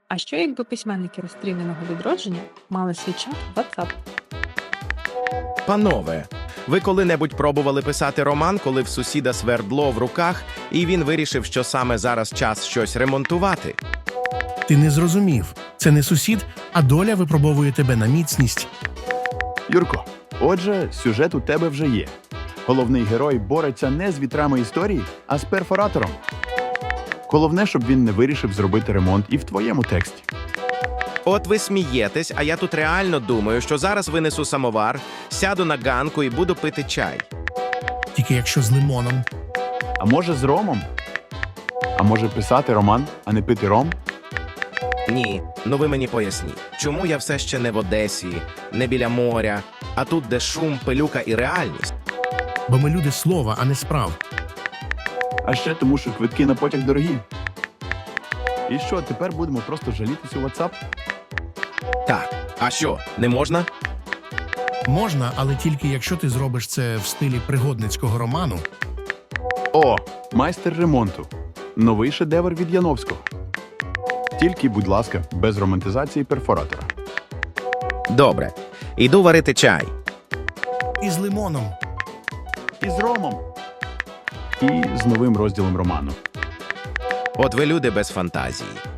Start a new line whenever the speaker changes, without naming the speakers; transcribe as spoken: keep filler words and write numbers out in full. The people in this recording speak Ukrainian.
А що якби письменники розстріляного відродження мали свій чат в WhatsApp?
Панове, ви коли-небудь пробували писати роман, коли в сусіда свердло в руках, і він вирішив, що саме зараз час щось ремонтувати?
Ти не зрозумів. Це не сусід, а доля випробовує тебе на міцність.
Юрко, отже, сюжет у тебе вже є. Головний герой бореться не з вітрами історії, а з перфоратором. Головне, щоб він не вирішив зробити ремонт і в твоєму тексті.
От ви смієтесь, а я тут реально думаю, що зараз винесу самовар, сяду на ганку і буду пити чай.
Тільки якщо з лимоном.
А може з ромом? А може писати роман, а не пити ром?
Ні, ну ви мені поясніть, чому я все ще не в Одесі, не біля моря, а тут, де шум, пилюка і реальність?
Бо ми люди слова, а не справ.
А ще тому, що квитки на потяг дорогі. І що, тепер будемо просто жалітись у WhatsApp?
Так, а що, не можна?
Можна, але тільки якщо ти зробиш це в стилі пригодницького роману.
О, майстер ремонту. Новий шедевр від Яновського. Тільки, будь ласка, без романтизації перфоратора.
Добре, іду варити чай.
І з лимоном.
І з ромом. І з новим розділом роману.
От ви люди без фантазії.